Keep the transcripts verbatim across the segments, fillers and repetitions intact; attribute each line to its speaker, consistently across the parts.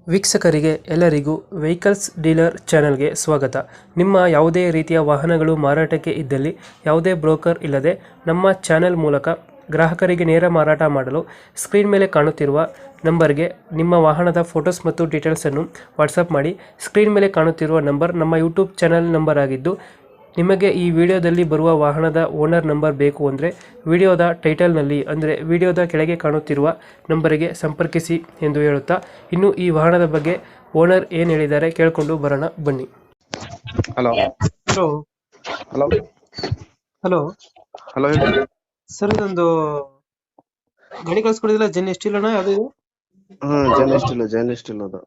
Speaker 1: ವೀಕ್ಷಕರಿಗೆ ಎಲ್ಲರಿಗೂ vehicles dealer ಚಾನೆಲ್ಗೆ ಸ್ವಾಗತ. ನಿಮ್ಮ ಯಾವುದೇ ರೀತಿಯ ವಾಹನಗಳು ಮಾರಾಟಕ್ಕೆ ಇದ್ದಲ್ಲಿ ಯಾವುದೇ ಬ್ರೋಕರ್ ಇಲ್ಲದೆ ನಮ್ಮ ಚಾನೆಲ್ ಮೂಲಕ ಗ್ರಾಹಕರಿಗೆ ನೇರ ಮಾರಾಟ ಮಾಡಲು ಸ್ಕ್ರೀನ್ ಮೇಲೆ ಕಾಣುತ್ತಿರುವ ನಂಬರ್ಗೆ ನಿಮ್ಮ ವಾಹನದ ಫೋಟೋಸ್ ಮತ್ತು ಡೀಟೇಲ್ಸನ್ನು ವಾಟ್ಸಪ್ ಮಾಡಿ. ಸ್ಕ್ರೀನ್ ಮೇಲೆ ಕಾಣುತ್ತಿರುವ ನಂಬರ್ ನಮ್ಮ ಯೂಟ್ಯೂಬ್ ಚಾನೆಲ್ ನಂಬರ್ ಆಗಿದ್ದು, ನಿಮಗೆ ಈ ವಿಡಿಯೋದಲ್ಲಿ ಬರುವ ವಾಹನದ ಓನರ್ ನಂಬರ್ ಬೇಕು ಅಂದರೆ ವಿಡಿಯೋದ ಟೈಟಲ್ನಲ್ಲಿ ಅಂದರೆ ವಿಡಿಯೋದ ಕೆಳಗೆ ಕಾಣುತ್ತಿರುವ ನಂಬರಿಗೆ ಸಂಪರ್ಕಿಸಿ ಎಂದು ಹೇಳುತ್ತಾ, ಇನ್ನು ಈ ವಾಹನದ ಬಗ್ಗೆ ಓನರ್ ಏನು ಹೇಳಿದ್ದಾರೆ ಕೇಳಿಕೊಂಡು ಬರೋಣ ಬನ್ನಿ.
Speaker 2: Hello
Speaker 1: hello
Speaker 2: hello
Speaker 1: hello
Speaker 2: hello ಹೇಳಿ.
Speaker 1: ಸರ್, ಇದೊಂದು ಗಾಡಿ ಕಳ್ಸ್ಕೊಡಿದಿಲ್ಲ, ಜೆನ್ ಎಷ್ಟು ಇಲ್ಲಣ್ಣ? ಯಾವುದು ಇದು?
Speaker 2: ಹಾ ಜೈನ್ ಸ್ಟಿಲ್ ಜೈನ್ ಸ್ಟಿಲ್ ಅದು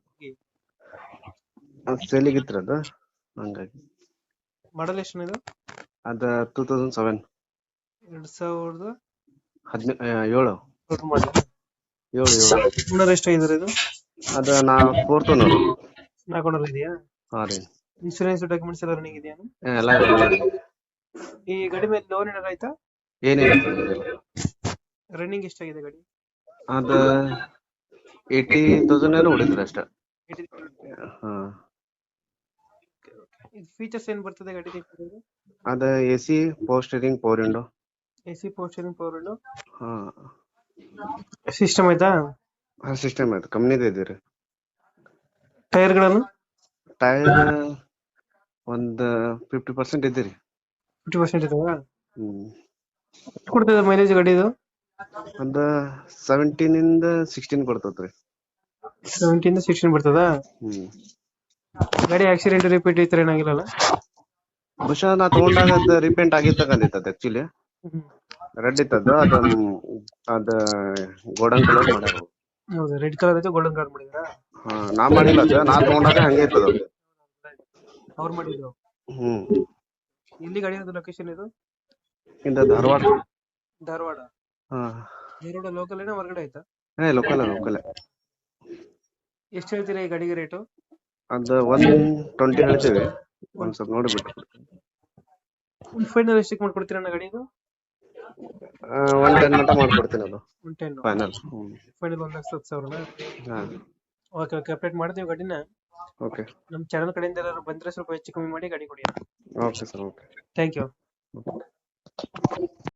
Speaker 2: ಸೇಲಿಗಿತ್ರ ಅದು, ಹಂಗಾಗಿ
Speaker 1: ಮಾಡಲ್ ಎಷ್ಟು ಇದು?
Speaker 2: ಅದ ಟೂ ತೌಸಂಡ್ ಸೆವೆನ್
Speaker 1: ಎರಡ್ ಸಾವಿರದ
Speaker 2: ಹದಿನ ಏಳು
Speaker 1: ಮಾಡಲ್.
Speaker 2: ಏಳು ಏಳು
Speaker 1: ಓನರ್ ಎಷ್ಟಾಗಿದ್ದಾರೆ ಇದು?
Speaker 2: ಅದ ನಾ ಫೋರ್ತ್ ಓನರ್.
Speaker 1: ನಾಲ್ಕು ಓನರ್ ಇದೆಯಾ?
Speaker 2: ಹಾ ರೀ,
Speaker 1: ಇನ್ಶೂರೆನ್ಸ್ ಡಾಕ್ಯುಮೆಂಟ್ಸ್ ಎಲ್ಲ ರನ್ನಿಂಗ್ ಇದೆಯಾ?
Speaker 2: ಎಲ್ಲ
Speaker 1: ಈ ಗಾಡಿ ಮೇಲೆ ಲೋನ್ ಏನಾರ ಆಯ್ತಾ?
Speaker 2: ಏನಿಲ್ಲ.
Speaker 1: ರನ್ನಿಂಗ್ ಎಷ್ಟಾಗಿದೆ ಗಾಡಿ?
Speaker 2: ಅದ ಏಯ್ಟಿ ತೌಸಂಡ್ ಏನೋ ಹೊಡಿದ್ರು ಅಷ್ಟ. ಹಾ,
Speaker 1: ಫೀಚರ್ಸ್ ಏನ್ ಬರ್ತದೆ ಗಾಡಿ?
Speaker 2: ಅದ A C, power steering, power window.
Speaker 1: A C, power steering, power window,
Speaker 2: ಹಾ
Speaker 1: ಸಿಸ್ಟಮ್ ಆಯ್ತಾ?
Speaker 2: ಹಾ ಸಿಸ್ಟಮ್ ಆಯ್ತು, ಕಂಪ್ನಿದ ಇದೀರಿ.
Speaker 1: ಟೈರ್ ಗಳನ್ನು
Speaker 2: ಟೈರ್ ಒಂದ್ ಫಿಫ್ಟಿ ಪರ್ಸೆಂಟ್ ಇದ್ದೀರಿ.
Speaker 1: ಫಿಫ್ಟಿ ಪರ್ಸೆಂಟ್ ಇದಾವ.
Speaker 2: ಹ್ಮ್
Speaker 1: ಕೊಡ್ತದೆ ಮೈಲೇಜ್ ಗಾಡಿದು?
Speaker 2: ಒಂದ ಸೆವೆಂಟೀನ್ ಇಂದ ಸಿಕ್ಸ್ಟೀನ್ ಕೊಡ್ತತ್ರಿ.
Speaker 1: ಸೆವೆಂಟೀನ್ ಸಿಕ್ಸ್ಟೀನ್ ಬರ್ತದ.
Speaker 2: ಹ್ಮ್
Speaker 1: ಗಾಡಿ ಆಕ್ಸಿಡೆಂಟ್ ರಿಪೀಟ್ ಈ ತರ ಏನಾಗಿಲ್ಲಲ್ಲ?
Speaker 2: ಬಹುಶಃ ನಾ ತಗೊಂಡಾಗ ಅದ ರಿಪೇಂಟ್ ಆಗಿರ್ತಕ್ಕಂಥ ಆಕ್ಚುಲಿ ರೆಡ್ ಇತ್ತದ, ಅದ ಅದ ಗೋಲ್ಡನ್ ಕಲರ್ ಮಾಡ್ಯಾರ.
Speaker 1: ಹೌದು, ರೆಡ್ ಕಲರ್ ಐತೆ, ಗೋಲ್ಡನ್ ಕಲರ್ ಮಾಡಿದ್ರ?
Speaker 2: ಹಾ, ನಾ ಮಾಡಿಲ್ಲ ಅದ, ನಾ ತಗೊಂಡಾಗ ಹಂಗೆ ಇತ್ತದ.
Speaker 1: ಅವ್ರು ಮಾಡಿದ್ರು.
Speaker 2: ಹ್ಮ್
Speaker 1: ಎಲ್ಲಿ ಗಾಡಿ ಲೊಕೇಶನ್ ಇದು?
Speaker 2: ಇಂದ ಧಾರವಾಡ.
Speaker 1: ಧಾರವಾಡ.
Speaker 2: ಹಾ
Speaker 1: ಧಾರವಾಡ ಲೋಕಲ್ ಏನೋ ಹೊರಗಡೆ ಆಯ್ತಾ?
Speaker 2: ಹೇ ಲೋಕಲ್ ಲೋಕಲ್.
Speaker 1: ಎಷ್ಟು ಹೇಳ್ತೀರಾ ಈ ಗಾಡಿಗೆ ರೇಟು?
Speaker 2: ಅದ ಒನ್ ಟ್ವೆಂಟಿ ಹೇಳ್ತೇವೆ, ಒಂದ್ ಸ್ವಲ್ಪ ನೋಡಿಬಿಟ್ಟು.
Speaker 1: ಫೈನಲ್ ಎಷ್ಟಕ್ಕೆ ಮಾಡ್ಕೊಡ್ತೀರಾ ಅಣ್ಣ ಗಾಡಿದು?
Speaker 2: ಒನ್ ಟೆನ್ ಮಟ್ಟ ಮಾಡ್ಕೊಡ್ತೀನಿ ಅದು
Speaker 1: ಒನ್ ಟೆನ್
Speaker 2: ಫೈನಲ್.
Speaker 1: ಫೈನಲ್ ಒಂದ್ ಲಕ್ಷ ಹತ್ತು ಸಾವಿರನ?
Speaker 2: ಹಾ
Speaker 1: ಓಕೆ ಓಕೆ, ಅಪ್ಡೇಟ್ ಮಾಡ್ತೀವಿ ಗಾಡಿನ.
Speaker 2: ಓಕೆ
Speaker 1: ನಮ್ಮ ಚಾನಲ್ ಕಡೆಯಿಂದ ಎಲ್ಲರೂ ಬಂದ್ರೆ ಸ್ವಲ್ಪ ಹೆಚ್ಚು ಕಮ್ಮಿ ಮಾಡಿ ಗಾಡಿ ಕೊಡಿ.
Speaker 2: Okay sir, okay
Speaker 1: thank you.